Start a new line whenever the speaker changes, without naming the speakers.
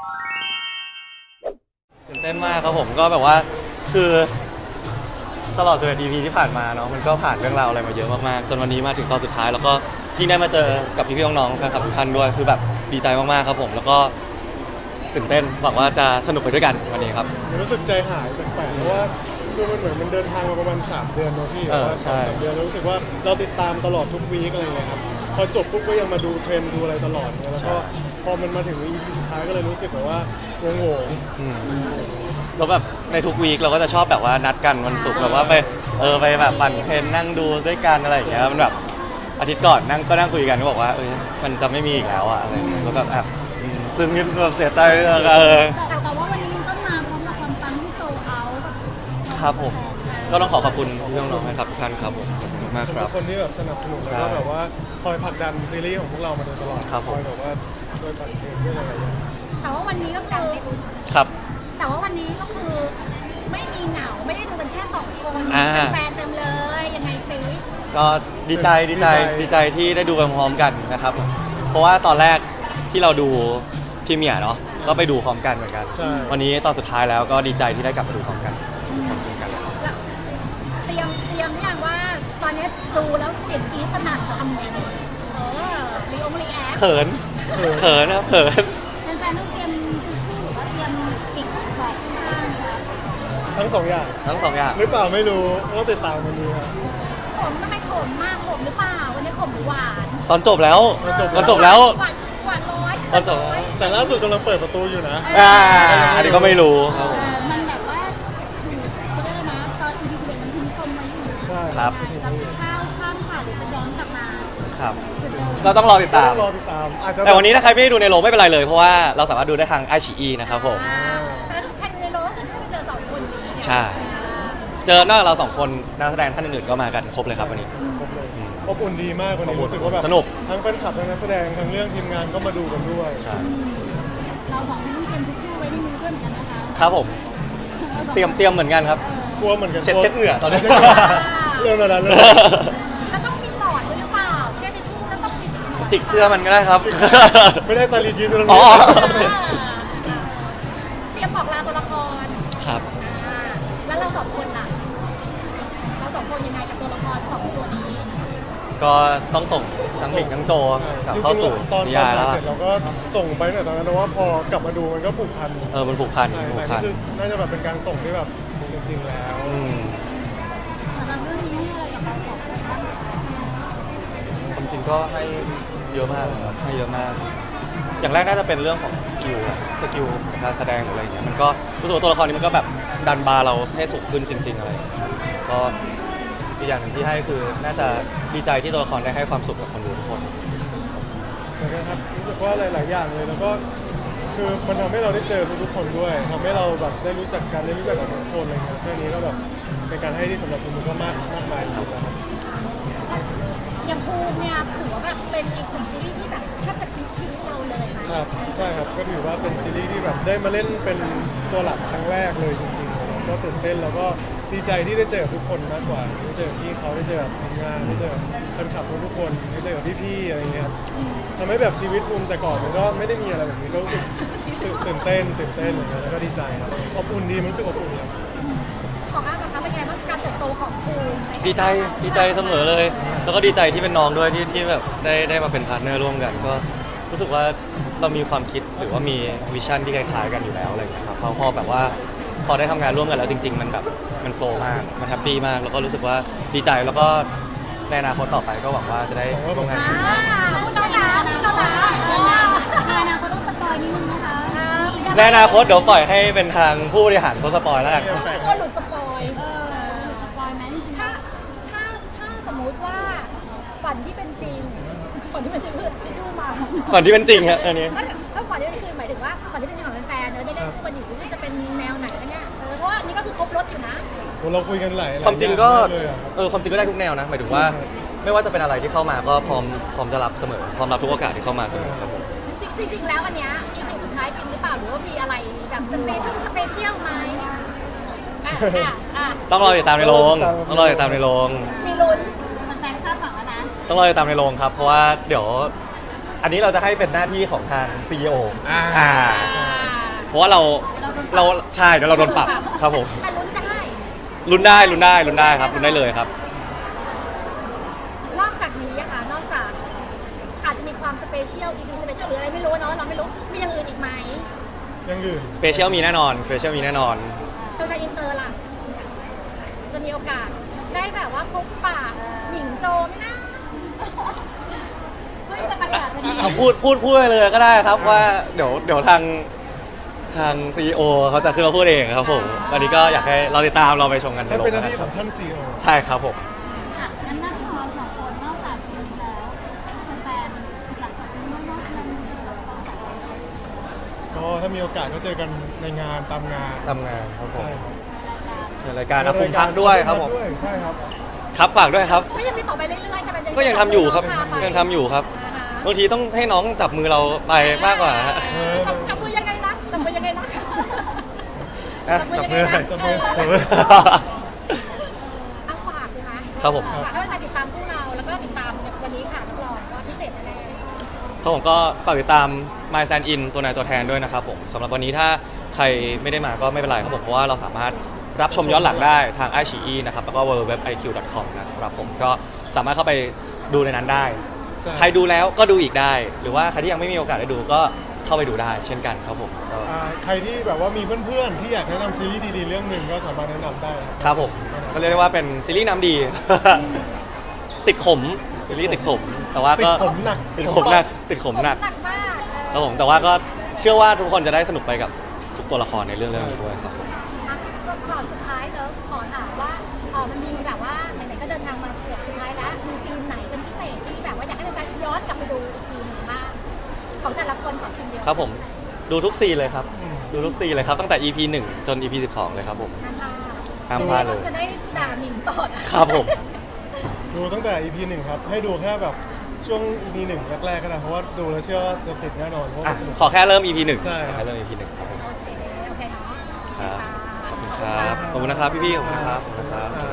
ตื่นเต้นมากครับผมก็แบบว่าคือตลอด11 EP ที่ผ่านมาเนาะมันก็ผ่านเรื่องราวอะไรมาเยอะมากๆจนวันนี้มาถึงตอนสุดท้ายแล้วก็ที่ได้มาเจอกับพี่ๆน้องๆแฟนคลับทุกท่านด้วยคือแบบดีใจมากๆครับผมแล้วก็ตื่นเต้นหวังว่าจะสนุกไปด้วยกันวันนี้ครับ
รู้สึกใจหายแปลกๆเพราะว่าคือมันเหมือนมันเดินทางมาประมาณ3 เดือนเนาะพี่ว่าสามเดือนแล้วรู้สึกว่าเราติดตามตลอดทุกวีคอะไรเงี้ยครับพอจบปุ๊บก็ยังมาดูเทรนด์ดูอะไรตลอดเนี่ยแล้วก็พอมันมาถึง EP สุดท้ายก็เลยรู้สึกแบบว่างงๆ
แล้วแบบในทุกวีคเราก็จะชอบแบบว่านัดกันวันศุกร์แบบว่าไปแบบปั่นเทรนนั่งดูด้วยกันอะไรอย่างเงี้ยมันแบบอาทิตย์ก่อนนั่งคุยกันก็บอกว่ามันจะไม่มีอีกแล้วอะอะไรแล้วแบบซึ่งนี่แบบเสียใจ
แต่ว่าวันนี้มันก็มาพร้อมกับความปังที่โซลเอาท์
ครับผมก็ต้องขอบคุณพี่น้องๆนะครับทุกท่านครับผมขอบคุณมากครับ
คนที่แบบสนับสนุนแล้วก็แบบว่าคอยผลักดันซีรีส์ของพวกเรามาโดยตลอดคอยแบบว่าช่วยปั่นเทรนด้วยอะไรอย่างเงี้ย
แต่ว่าวันนี้ก็คือ
ครับ
แต่ว่าวันนี้ก็คือไม่มีเหงาไม่ได้ดูกันแค่2 คนแฟนเต็มเลยยังไงซิ
ก็ดีใจที่ได้ดูไปพร้อมกันนะครับเพราะว่าตอนแรกที่เราดูพรีเมียร์เนาะก็ไปดูพร้อมกันเหมือนกันวันนี้ตอนสุดท้ายแล้วก็ดีใจที่ได้กลับมาดูพร้อมกัน
เตรียมหรือยังว่าตอนนี้ดูแล้วเสียงกรี๊ดสนั่นทำไงรีแอค
เขินนะครับเขิน
แฟนๆต้องเตรียมทิชชู่หรือว่าเตรียมติดบอกข้าง
ทั้ง2 อย่างหรือเปล่าไม่รู้ต้องติดตามมันดูครับ
ขมทำไมขมมากขมหรือเปล่าวันนี้ขมหรือหวาน
ตอนจบแล้ว
หวานร้อย
ตอนจบ
แต่ล่าสุดกำลังเปิดประตูอยู่นะ
อันนี้ก็ไม่รู้ครับ
มันแบบว่าเขาเรียกนะตอนอีพี11มันทิ้งตมมาอยู่
ครับ
ข้ามผ่านหรือจะย้อนกลับมา
ครับก็ต้องรอติดตามแต่วันนี้ถ้าใครไม่ได้ดูในโรงไม่เป็นไรเลยเพราะว่าเราสามารถดูได้ทางไอชีนะครับผม
แต่ถ้าใครในโรงก็คือไปเจอ2 คนนี้
ใช่เจอนอกจากเรา2 คนนักแสดงท่านอื่นๆก็มากันครบเลยครับวันนี้
อบอุ่นดีมากวันนี้รู้สึกว่าแบบ
สนุก
ทั้งแฟนคลับทั้งนักแสดงทั้งเรื่องทีมงานก็มาดูกันด้วย
เราของต้องเตรียมทิชชู่ไว้ในมือด้วยเหมือนกันนะคะ
ครับผมเตรียมเหมือนกันครับ
กลัวเหมือนกัน
เช็ดเหงื่อตอนนี้
เรื่องนั้นเลย
แล้วต้องมีหลอดด้วยหรือเปล่าแค่ทิชชู่แล้วต้องมี
จิกเสื้อมันก็ได้ครับ
ไม่ได้ซาลียืนตรงนี้
เตรียมบอกลาตัวละคร
ครับ
แล้วเรา2 คนล่ะเรา2 คนยังไงกับตัวละคร2 ตัวนี้
ก็ต้องส่งทั้งหมิงทั้งโจกลับเข้าสู่นิยายแล้ว
เสร็จเราก็ส่งไปแต่ตอนนั้นว่าพอกลับมาดูมันก็ผูกพัน
มันผูกพัน
น่าจะแบบเป็นการส่งที่แบบจริงๆแล้ว
เรื่องนี้อะไรกับเรา2 คน
ความจริงก็ให้เยอะมากให้เยอะมากอย่างแรกน่าจะเป็นเรื่องของสกิลการแสดงหรืออะไรอย่างเงี้ยมันก็รู้สึกว่าตัวละครนี้มันก็แบบดันบาร์เราให้สูงขึ้นจริงๆอะไรก็อีกอย่างหนึ่งที่ให้คือน่าจะดีใจที่ตัวละครได้ให้ความสุขกับคนดูทุกคน
นะครับรู้สึกว่าหลายๆอย่างเลยแล้วก็คือมันทำให้เราได้เจอทุกคนด้วยทำให้เราแบบได้รู้จักกันได้รู้จักกับทุกคนอะไรเงี้ยแค่นี้ก็แบบเป็นการให้ที่สำหรับคุณก็มากมายครับ
อย่างภูมิเนี่ยถือว่าแบบเป็นอีกหนึ่งซีรีส์ที่แบบแทบจะพลิกชีวิตเราเลย
ครับใช่ครับก็ถือว่าเป็นซีรีส์ที่แบบได้มาเล่นเป็นตัวหลักครั้งแรกเลยจริงๆก็ตื่นเต้นแล้วก็ดีใจที่ได้เจอทุกคนมากกว่าได้เจอพี่เขาได้เจอทีมงานได้เจอแฟนคลับทุกคนได้เจอพี่ๆอะไรเงี้ยทำให้แบบชีวิตภูมิแต่ก่อนมันก็ไม่ได้มีอะไรแบบนี้ก็รู้สึกตื่นเต้นอะไรเงี้ยแล้วก็ดีใจครับอบอุ่นดีมันรู้สึกอบอุ่นครับ
ของอาร์ตนะคะเป็นไงบ้างการเติบโตของภูมิ
ดีใจเสมอเลยแล้วก็ดีใจที่เป็นน้องด้วยที่แบบได้มาเป็นพาร์ทเนอร์ร่วมกันก็รู้สึกว่าเรามีความคิดหรือว่ามีวิชั่นที่คล้ายๆกันอยู่แล้วอะไรอย่างเงี้ยครับพอแบบว่าพอได้ทำงานร่วมกันแล้วจริงๆมันแบบมันโฟล์มากมันแฮปปี้มากแล้วก็รู้สึกว่าดีใจแล้วก็ในอนาคตต่อไปก็หวังว่าจะได้ร่วมงานกัน
ในอนาคตต้องสปอยนิดนึงนะคะ
ในอนาคตเดี๋ยวปล่อยให้เป็นทางผู้บริหารเขาสปอยแล้วกัน
ก็หลุดสปอยไหมถ้าสมมุติว่าฝันที่เป็นจริงคือที่ชื่อมา
ฝันที่เป็นจริงครับอันนี้
ถ้าฝันที่เป็นจริงหมายถึงว่าฝันที่เป็นจริงของแฟนๆได้เล่นคู่กันอยู่ที่จะเป็นแนวไหนกันเนี่ยเพราะว่านี่ก็คือครบรถอยู่นะ
เราคุยกันหลาย
ความจริงก็ความจริงก็ได้ทุกแนวนะหมายถึงว่าไม่ว่าจะเป็นอะไรที่เข้ามาก็พร้อมจะรับเสมอพร้อมรับทุกโอกาสที่เข้ามาเสมอครับผม
จริงๆแล้วอันเนี้ย EP สุดท้ายจริงหรือเปล่าหรือว่ามีอะไรแบบสเปเชียลไหม
ต้องรอติดตามในโรงมี
ลุ้นแฟนคาดหวังแล้วนะ
ต้องรอติดตามในโรงครับเพราะว่าเดี๋ยวอันนี้เราจะให้เป็นหน้าที่ของทาง CEO เพราะว่าเราใช่เดี๋ยวเราโดนปรับครับผม
แต่ลุ้นได้
ลุ้นได้ครับลุ้นได้เลยครับ
นอกจากนี้อะค่ะนอกจากอาจจะมีความสเปเชียลอีกสเปเชียลหรืออะไรไม่รู้เนาะเราไม่รู้มีอย่างอื่นอีกไหม
ยังอื่น
สเปเชียลมีแน่นอนสเปเชียลมีแน่นอน
ตัวไทยอินเตอร์ล่ะจะมีโอกาสได้แบบว่าพบปะหมิงโจไหมนะเฮ้ยจะประกาศวันนี้
เอาพูดไปเลยก็ได้ครับว่าเดี๋ยวทางซีอีโอเขาจะขึ้นมาพูดเองครับผมตอนนี้ก็อยากให้เราติดตามเราไปชมกันใน
นั่น
โรง
เป็นห
นะ
น้าที่
ค
ข
รั
อบ งท่านซีโอ
ใช่ครับผม
อ่ะงั้นหน้าที่ของเราสองคนนอกจากดูแล้วแฟนๆหลังจากนี้นอกนั้นจะแบบต้องแบบ
ก็ถ้ามีโอกาสก็เจอกันในงานตามงาน
ทำงานครับผม
ใช่ครับ
ในรายการนะผมพักด้วยครับผม
ด้วยใช่ครับ
ครับฝากด้วยครับ
ก็ยังมีต่อไปเรื่อยๆใช่ไหม
ก็ยังทำอยู่ครับ
พาไป
ยังทำอยู่ครับ
อ่าฮะ
บางทีต้องให้น้องจับมือเราไปมากกว่าฮะ
จับมือยังไงนะจับมือยังไงนะ
อ่ะ
จับมือยังไงนะ
จับมือ
จับมือ
เอาฝากดีไหม
ครับผม
ฝากให้แฟนๆติดตามพวกเราแล้วก็ติดตามวันนี้ค่ะรับรองว่าพิเศษแน่
ครับผมก็ฝากติดตาม My Stand In ตัวนายตัวแทนด้วยนะครับผมสำหรับวันนี้ถ้าใครไม่ได้มาก็ไม่เป็นไรครับผมเพราะว่าเราสามารถรับชมย้อนหลังได้ทาง iQIYI นะครับแล้วก็ www.iq.com นะครับผมก็สามารถเข้าไปดูในนั้นได้
ใช่
ใครดูแล้วก็ดูอีกได้ หรือว่าใครที่ยังไม่มีโอกาสได้ดูก็เข้าไปดูได้เช่นกันครับผมก็
ใครที่แบบว่ามีเพื่อนๆที่อยากแนะนำซีรีส์ดีๆเรื่องหนึ่งก็สามารถแนะนำได้
ครับผมก็เรียกได้ว่าเป็นซีรีส์น้ำดี ติดขมซีรีส์ติดขมแต่ว่า
ติด
ก็
ขมหนัก
ติดขมหนักติดขมหนัก
หนักมาก
ครับผมแต่ว่าก็เชื่อว่าทุกคนจะได้สนุกไปกับทุกตัวละครในเรื่องนี้ด้วยครับผม
อ่ะก่อนสุดท้ายเนอะขอถามว่ามันมีแบบว่าไหนๆก็เดินทางมาเกือบสุดท้ายแล้วมีซีนไหนเป็นพิเศษที่แบบว่าอยากให้แฟนๆย้อนกลับไปดูอีกทีหนึ่งบ้างของแต่ละคนขอชิมเดียว
ครับผมดูทุกซีนเลยครับดูทุกซีนเลยครับตั้งแต่ EP 1 จน EP 12 เลยครับผม ห้ามพลาดเลย
จะได้ด่าหมิงต่อนะครับ
ผม
ดูตั้งแต่ EP 1 ครับ ให้ดูแค่แบบช่วง EP 1 แรกๆก็ได้เพราะว่าดูแล้วเชื่อว่าจะติดแน่นอนเพราะ
อ่ะ
ว่าสนุก
ขอแค่เริ่ม EP 1
ใช่
ขอแค่เริ่ม EP 1ครับผม
โอเคเนาะ
ครับ ขอบคุณครับ ขอบคุณนะครับพี่ๆขอบคุณครับขอบคุณครับ
อ่า